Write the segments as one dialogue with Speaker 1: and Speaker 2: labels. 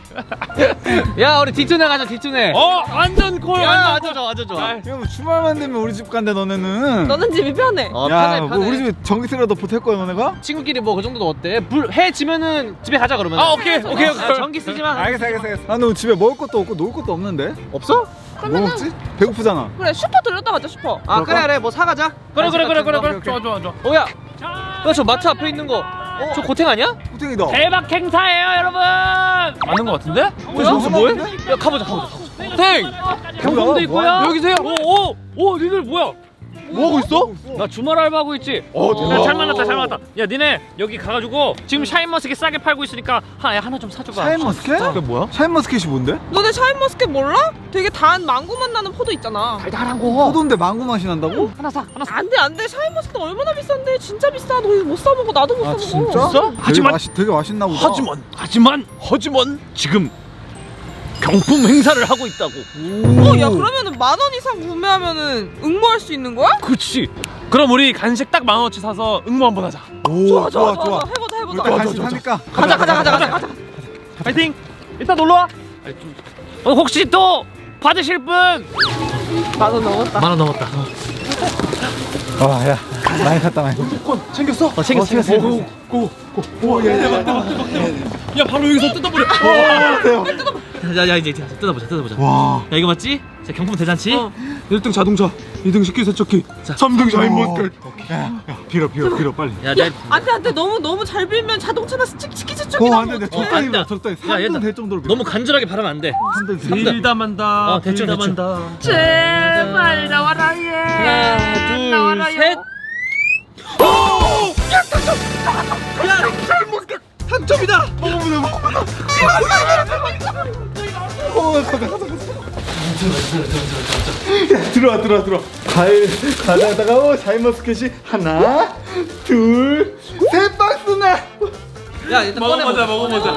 Speaker 1: 야 우리 뒷tun에 가자 뒷tun에.
Speaker 2: 완전 콜.
Speaker 1: 야 완전 좋아 완전 좋아.
Speaker 3: 야, 뭐 주말만 되면 우리 집 간대 너네는.
Speaker 4: 너는 집이 편해.
Speaker 1: 편해
Speaker 3: 뭐
Speaker 1: 편해.
Speaker 3: 우리 집에 전기세라도 보탤 거야 너네가?
Speaker 1: 친구끼리 뭐 그 정도도 어때? 해 지면은 집에 가자 그러면.
Speaker 2: 오케이.
Speaker 1: 전기 쓰지 마.
Speaker 3: 알겠어. 아, 너 집에 먹을 것도 없고 놀 것도 없는데?
Speaker 1: 없어?
Speaker 3: 뭐 먹지? 배고프잖아.
Speaker 4: 그래 슈퍼 들렸다 가자 슈퍼.
Speaker 1: 그래 뭐 사가자.
Speaker 2: 그래.
Speaker 3: 오케이.
Speaker 2: 좋아.
Speaker 1: 야, 저 마트 앞에 있는 거. 저 고탱 아니야?
Speaker 3: 호텔이다.
Speaker 2: 대박 행사예요, 여러분. 맞는 거 같은데?
Speaker 3: 여기서 뭐해?
Speaker 1: 야 가보자.
Speaker 2: 땡. 경품도 있고요.
Speaker 1: 여기세요?
Speaker 2: 오, 니들 뭐야?
Speaker 1: 뭐 하고 있어?
Speaker 2: 나 주말 알바하고 있지.
Speaker 3: 대박.
Speaker 2: 야, 잘 만났다. 야, 니네 여기 가가지고 지금 샤인머스켓 싸게 팔고 있으니까 하나 좀 사줘봐.
Speaker 3: 샤인머스켓?
Speaker 1: 그게 뭐야?
Speaker 3: 샤인머스켓이 뭔데?
Speaker 4: 너네 샤인머스켓 몰라? 되게 단 망고 맛 나는 포도 있잖아.
Speaker 1: 달달한 거.
Speaker 3: 포도인데 망고 맛이 난다고?
Speaker 1: 하나 사.
Speaker 4: 안돼 샤인머스켓 얼마나 비싼데 진짜 비싸. 너 이거 못 사 먹어. 나도 못 사
Speaker 3: 아
Speaker 4: 먹어.
Speaker 3: 진짜?
Speaker 2: 진짜? 하지만-
Speaker 3: 되게 맛있나 보다.
Speaker 2: 하지만 지금 경품 행사를 하고 있다고.
Speaker 4: 야 그러면은 10,000원 이상 구매하면은 응모할 수 있는 거야?
Speaker 2: 그치. 그럼 우리 간식 딱 10,000원치 사서 응모 한번 하자.
Speaker 3: 오, 좋아.
Speaker 4: 해보자.
Speaker 3: 우리 또 간식 사니까.
Speaker 4: 가자.
Speaker 2: 파이팅. 일단 놀러 와. 혹시 또 받으실 분?
Speaker 4: 10,000원 넘었다.
Speaker 1: 10,000원 넘었다.
Speaker 3: 야, 많이 샀다.
Speaker 1: 챙겼어.
Speaker 2: 야, 바로 여기서 뜯어버려.
Speaker 1: 야 이제 뜯어보자.
Speaker 3: 와.
Speaker 1: 야 이거 맞지? 자 경품 대잔치.
Speaker 3: 1등 자동차, 2등 식기세척기,
Speaker 1: 자.
Speaker 3: 3등 샤인머스켓. 야, 빌어 빨리.
Speaker 1: 야
Speaker 4: 안돼 너무 잘 빌면 자동차나 치키치쪽이나
Speaker 3: 안돼, 적당히
Speaker 1: 안 돼.
Speaker 3: 빌어, 적당히.
Speaker 1: 야, 얘들아.
Speaker 3: 3등 될 정도로 빌어.
Speaker 1: 너무 간절하게 바라면 안 돼.
Speaker 3: 3등.
Speaker 2: 빌다 만다.
Speaker 1: 대충.
Speaker 4: 제발 나와라 얘.
Speaker 1: 하나 둘 셋.
Speaker 3: 당첨이다. 가자. 야, 들어와. 가져다가 샤인머스켓이 하나, 둘, 셋 박스나.
Speaker 1: 야 일단
Speaker 2: 먹어보자.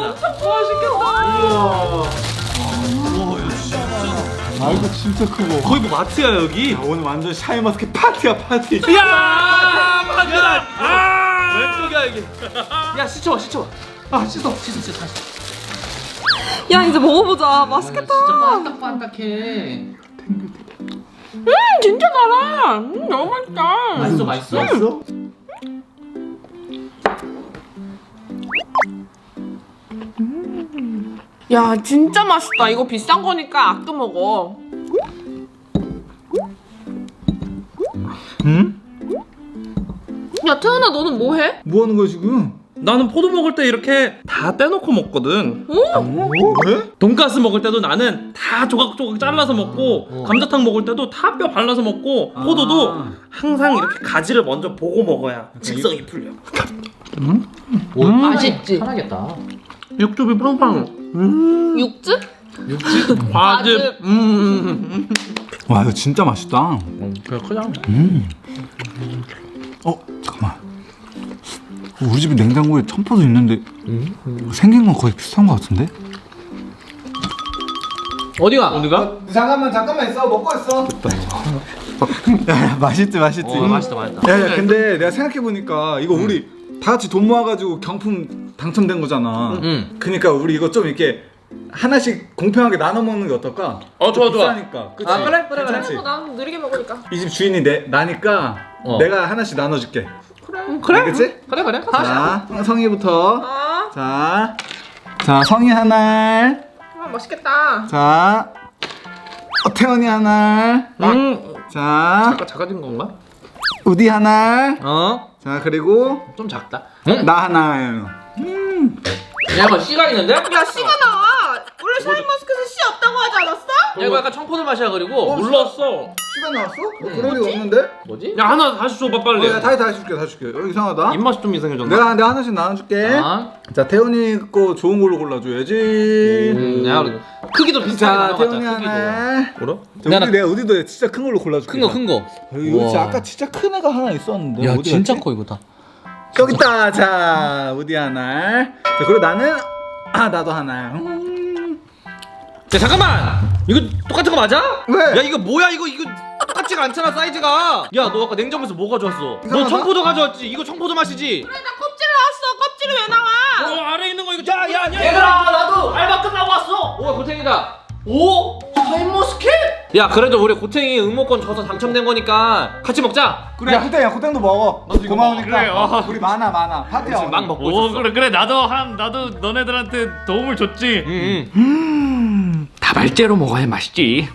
Speaker 3: 아, 이거 진짜 크고.
Speaker 1: 거의 뭐 마트야 여기.
Speaker 3: 야, 오늘 완전 샤인머스켓 파티야, 파티.
Speaker 2: 야, 맞다.
Speaker 1: 왼쪽이야 이게. 야 씻어봐. 씻어.
Speaker 4: 야 이제 먹어보자. 맛있겠다.
Speaker 1: 진짜 반딱해.
Speaker 4: 진짜 달아. 너무 맛있다.
Speaker 1: 맛있어?
Speaker 4: 야 진짜 맛있다. 이거 비싼 거니까 아껴 먹어.
Speaker 3: 응?
Speaker 4: 야 태연아 너는 뭐 해?
Speaker 3: 뭐 하는 거야 지금?
Speaker 2: 나는 포도 먹을 때 이렇게 다 떼놓고 먹거든.
Speaker 3: 왜?
Speaker 2: 돈가스 먹을 때도 나는 다 조각조각 잘라서 먹고 감자탕 먹을 때도 다 뼈 발라서 먹고 포도도 항상 이렇게 가지를 먼저 보고 먹어야 식성이 풀려.
Speaker 1: 맛있지. 편하겠다.
Speaker 2: 육즙이 팡팡.
Speaker 4: 육즙?
Speaker 2: 과즙.
Speaker 3: 와, 이거 진짜 맛있다.
Speaker 2: 그래 크잖아.
Speaker 3: 잠깐만. 우리 집에 냉장고에 청포도 있는데 생긴 건 거의 비슷한 것 같은데?
Speaker 1: 어디가?
Speaker 3: 잠깐만 있어. 먹고 있어. 야, 맛있지.
Speaker 1: 맛있다.
Speaker 3: 야, 근데 내가 생각해보니까 이거 우리 다 같이 돈 모아가지고 경품 당첨된 거잖아. 그니까 우리 이거 좀 이렇게 하나씩 공평하게 나눠 먹는 게 어떨까?
Speaker 2: 좋아.
Speaker 3: 비싸니까. 그치?
Speaker 1: 그래.
Speaker 3: 괜찮지?
Speaker 4: 난 느리게 먹으니까.
Speaker 3: 이 집 주인이 나니까 내가 하나씩 나눠줄게.
Speaker 4: 그래.
Speaker 3: 알겠지?
Speaker 1: 그래.
Speaker 3: 자, 성희부터.
Speaker 4: 아,
Speaker 3: 자, 성희 하나.
Speaker 4: 맛있겠다.
Speaker 3: 자, 태연이 하나. 자,
Speaker 2: 작아진 건가?
Speaker 3: 우디 하나. 자, 그리고
Speaker 1: 좀 작다.
Speaker 3: 나 하나.
Speaker 1: 야 이거 씨가 있는데?
Speaker 4: 야 씨가 나와. 원래 샤인머스켓은 씨 없다고 하지 않았어?
Speaker 1: 야 이거 약간 청포도 맛이야 그리고.
Speaker 2: 몰랐어.
Speaker 3: 시간 나왔어? 그런 게 없는데?
Speaker 1: 뭐지?
Speaker 2: 야 하나 다시 줘봐 빨리.
Speaker 3: 야, 다시 줄게. 여기 이상하다.
Speaker 2: 입맛이 좀 이상해졌나?
Speaker 3: 내가 하나씩 나눠줄게. 자, 태연이 거 좋은 걸로 골라줘야지.
Speaker 1: 야 우리 크기도 비슷하게
Speaker 3: 자,
Speaker 1: 나눠봤자
Speaker 3: 태연이
Speaker 1: 크기도.
Speaker 3: 하나.
Speaker 2: 뭐라?
Speaker 3: 내가 어디도 진짜 큰 걸로 골라줄게.
Speaker 1: 큰 거.
Speaker 3: 여기 진짜
Speaker 1: 우와.
Speaker 3: 아까 진짜 큰 애가 하나 있었는데.
Speaker 1: 야
Speaker 3: 어디
Speaker 1: 진짜
Speaker 3: 갔지?
Speaker 1: 커 이거 다.
Speaker 3: 여기 있다. 자, 우디 하나. 자, 그리고 나는 나도 하나.
Speaker 1: 야 잠깐만. 이거 똑같은 거 맞아?
Speaker 3: 왜?
Speaker 1: 야 이거 뭐야 이거 똑같지가 않잖아 사이즈가. 야 너 아까 냉장고에서 뭐 가져왔어? 너
Speaker 3: 이상하다?
Speaker 1: 청포도 가져왔지? 이거 청포도 맛이지?
Speaker 4: 그래 나 껍질 나왔어. 껍질이 왜 나와?
Speaker 2: 아래 있는 거 이거.
Speaker 1: 얘들아 나도 알바 끝나고 왔어. 샤이가 오? 샤인머스켓? 야 그래도 우리 고탱이 응모권 줘서 당첨된 거니까 같이 먹자.
Speaker 3: 그래 호땡이야 호땡도 먹어.
Speaker 1: 나도 이거
Speaker 3: 고마우니까.
Speaker 5: 먹어. 그래,
Speaker 3: 우리 많아 파티야.
Speaker 1: 지금 막 먹고
Speaker 5: 오
Speaker 1: 있었어.
Speaker 5: 그래 나도 너네들한테 도움을 줬지.
Speaker 1: 응.
Speaker 5: 다발제로 먹어야 맛있지.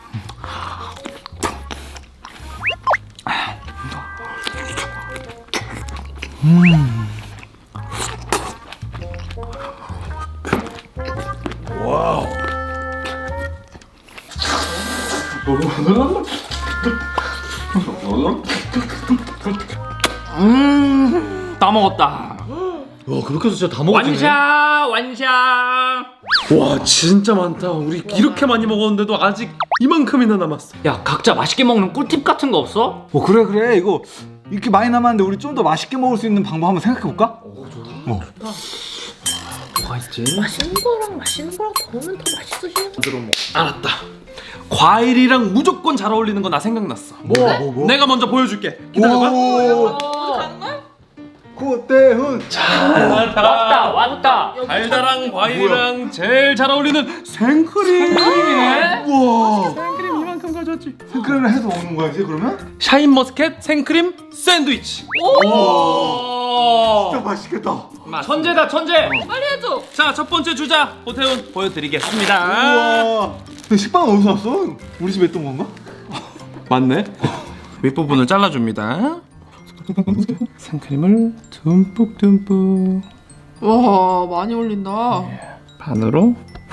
Speaker 2: 다 먹었다.
Speaker 1: 와 그렇게 해서 진짜 다 먹었네.
Speaker 2: 완샷. 와 진짜 많다. 우리 이렇게 많이 먹었는데도 아직 이만큼이나 남았어.
Speaker 5: 야 각자 맛있게 먹는 꿀팁 같은 거 없어?
Speaker 3: 그래 이거 이렇게 많이 남았는데 우리 좀 더 맛있게 먹을 수 있는 방법 한번 생각해 볼까?
Speaker 1: 뭐가 있지?
Speaker 6: 맛있는 거랑 구우면 더 맛있어지는 거.
Speaker 2: 알았다. 과일이랑 무조건 잘 어울리는 거 나 생각났어.
Speaker 3: 뭐?
Speaker 2: 내가 먼저 보여줄게. 기다려봐.
Speaker 4: 가는 거야?
Speaker 3: 고태훈.
Speaker 5: 왔다.
Speaker 2: 달달한 과일이랑 제일 잘 어울리는 생크림.
Speaker 3: 우와.
Speaker 2: 생크림 이만큼 가져왔지.
Speaker 3: 생크림을 해서 먹는 거야 이제 그러면?
Speaker 2: 샤인머스켓 생크림 샌드위치.
Speaker 3: 진짜 맛있겠다.
Speaker 5: 천재다 천재.
Speaker 4: 빨리 해줘.
Speaker 2: 자, 첫 번째 주자 고태훈 보여드리겠습니다.
Speaker 3: 우와. 근데 식빵은 어디서 왔어? 우리 집에 있던 건가?
Speaker 2: 맞네. 윗부분을 잘라줍니다. 생크림을 듬뿍
Speaker 4: 와 많이 올린다.
Speaker 2: 반으로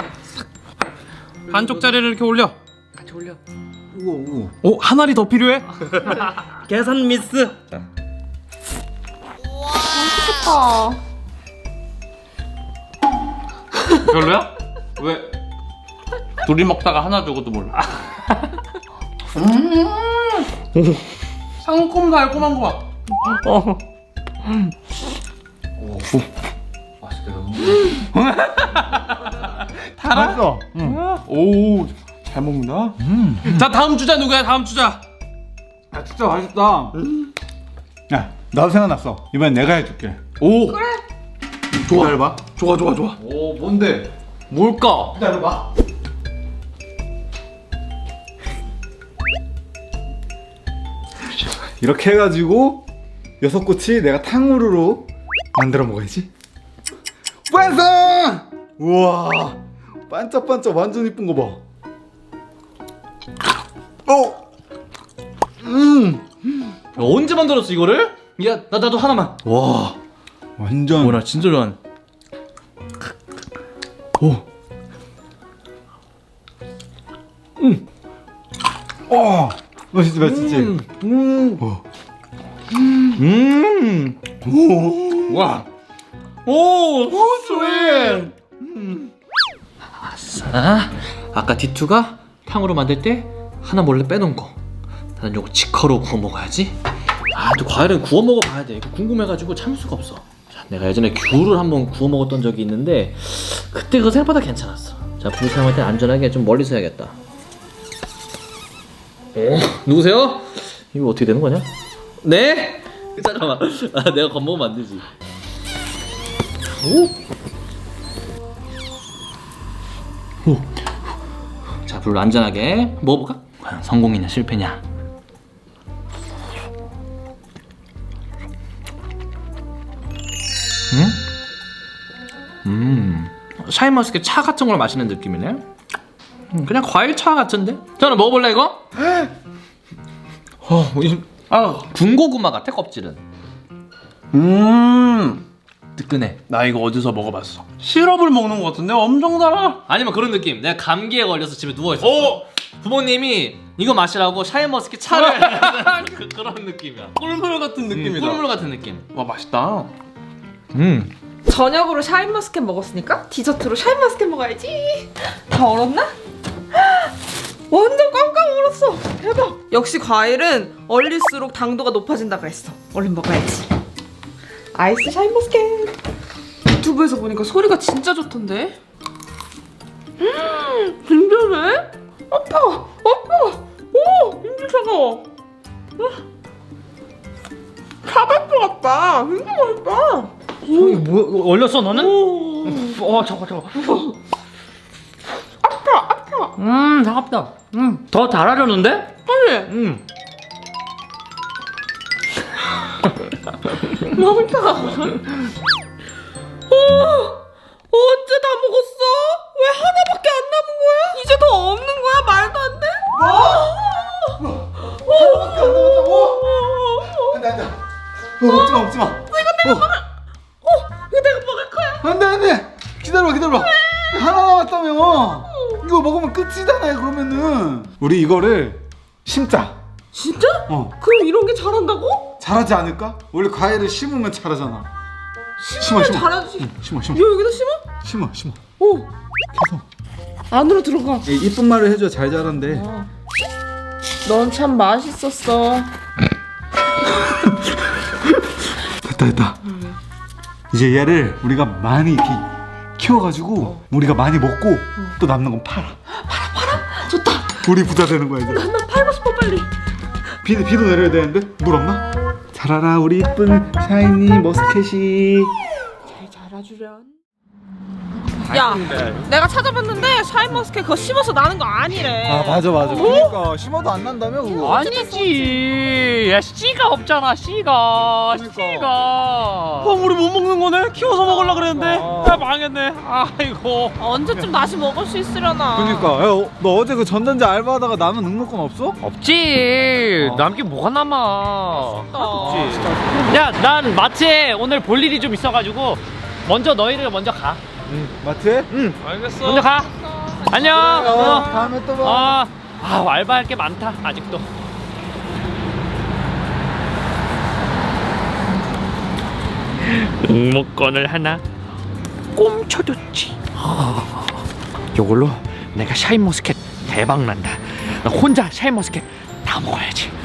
Speaker 2: 반쪽짜리를 이렇게 올려.
Speaker 3: 우와.
Speaker 2: 오, 한 알이 더 필요해? 계산 미스.
Speaker 4: 아.
Speaker 2: 별로야? 왜? 둘이 먹다가 하나 주고도 몰라. 상큼 달콤한 거 봐.
Speaker 3: 맛있어.
Speaker 2: 오, 잘 먹는다. 자, 다음 주자 누구야? 다음 주자.
Speaker 3: 야 진짜 맛있다. 야 나도 생각났어. 이번엔 내가 해줄게.
Speaker 2: 오, 그래.
Speaker 3: 기다려봐.
Speaker 2: 좋아.
Speaker 3: 오 뭔데?
Speaker 2: 뭘까?
Speaker 3: 기다려봐. 이렇게 해가지고 6꼬치 내가 탕후루로 만들어 먹어야지. 완성! 우와 반짝반짝 완전 이쁜 거 봐.
Speaker 1: 야, 언제 만들었어 이거를? 야 나도 하나만. 와.
Speaker 3: 완전
Speaker 1: 뭐나 진짜 좋아하는. 오.
Speaker 3: 맛있지 맛있지.
Speaker 1: 와. 오, 스윗. 아싸. 아까 디투가 탕으로 만들 때 하나 몰래 빼놓은 거. 나는 요거 직화로 구워 먹어야지. 아, 또 과일은 구워 먹어봐야 돼. 이거 궁금해가지고 참을 수가 없어. 자, 내가 예전에 귤을 한번 구워 먹었던 적이 있는데 그때 그거 생각보다 괜찮았어. 자, 불 사용할 때 안전하게 좀 멀리서 해야겠다. 누구세요? 이거 어떻게 되는 거냐? 네? 잠깐만. 아, 내가 겁먹으면 안 되지. 오. 자, 불 안전하게 먹어볼까? 과연 성공이냐 실패냐? 샤인머스켓 차 같은 걸 마시는 느낌이네. 그냥 과일 차 같은데? 저는 먹어볼래 이거? 군고구마 같아 껍질은. 뜨끈해.
Speaker 2: 나 이거 어디서 먹어봤어? 시럽을 먹는 것 같은데 엄청 달아.
Speaker 1: 아니면 그런 느낌. 내가 감기에 걸려서 집에 누워 있었어. 부모님이 이거 마시라고 샤인머스켓 차를 그런 느낌이야.
Speaker 2: 꿀물 같은 느낌이다.
Speaker 1: 꿀물 같은 느낌.
Speaker 2: 와 맛있다.
Speaker 4: 저녁으로 샤인머스켓 먹었으니까 디저트로 샤인머스켓 먹어야지. 다 얼었나? 완전 꽝꽝 얼었어. 대박. 역시 과일은 얼릴수록 당도가 높아진다 그랬어. 얼른 먹어야지. 아이스 샤인머스켓. 유튜브에서 보니까 소리가 진짜 좋던데. 진짜네? 아파. 오, 힘들 차가워. 카베트 같다. 진짜 맛있다.
Speaker 5: 뭐 얼렸어 너는? 잠깐.
Speaker 4: 아파.
Speaker 5: 차갑다. 더 달아졌는데?
Speaker 4: 아니 맛있다. 언제 다 먹었어? 왜 하나밖에 안 남은 거야? 이제 더 없는 거야? 말도 안 돼?
Speaker 3: 하나밖에 안 남았다고? 안돼 먹지마 먹지마.
Speaker 4: 이거 내가 먹을 거야.
Speaker 3: 안돼 기다려봐. 하나 남았다며. 이거 먹으면 끝이잖아요. 그러면은 우리 이거를 심자.
Speaker 4: 진짜? 그럼 이런 게 잘한다고?
Speaker 3: 잘하지 않을까? 원래 과일을 심으면 잘하잖아.
Speaker 4: 심으면 잘하지.
Speaker 3: 심어.
Speaker 4: 야 여기다 심어?
Speaker 3: 심어.
Speaker 4: 오.
Speaker 3: 계속.
Speaker 4: 안으로 들어가.
Speaker 3: 이쁜 말을 해줘. 잘 자란대.
Speaker 4: 넌 참 맛있었어.
Speaker 3: 됐다. 이제 얘를 우리가 많이 이렇게 키워가지고 우리가 많이 먹고 또 남는 건 팔아.
Speaker 4: 좋다.
Speaker 3: 우리 부자 되는 거야 이제.
Speaker 4: 나 팔고 싶어 빨리.
Speaker 3: 비도 내려야 되는데 물 없나? 자라라 우리 이쁜 샤이니 머스켓이.
Speaker 4: 잘 자라주련. 야, 내가 찾아봤는데 샤인머스켓 그거 심어서 나는 거 아니래.
Speaker 3: 아 맞아. 그러니까 심어도 안 난다며 그거.
Speaker 5: 아니지. 야, 씨가 없잖아. 씨가.
Speaker 2: 우리 못 먹는 거네? 키워서 먹으려고 그랬는데 야 망했네. 아이고.
Speaker 4: 언제쯤 다시 먹을 수 있으려나.
Speaker 3: 그러니까 야, 너 어제 그 전단지 알바하다가 남은 응모권 없어?
Speaker 5: 없지. 남긴 뭐가 남아.
Speaker 4: 없지.
Speaker 5: 야, 난 마트에 오늘 볼 일이 좀 있어가지고 너희를 먼저 가.
Speaker 3: 마트에?
Speaker 2: 알겠어.
Speaker 5: 먼저 가. 안녕.
Speaker 3: 다음에 또 봐.
Speaker 5: 알바할 게 많다 아직도. 응모권을 하나 꼼쳐줬지. 요걸로 내가 샤인머스켓 대박 난다. 나 혼자 샤인머스켓 다 먹어야지.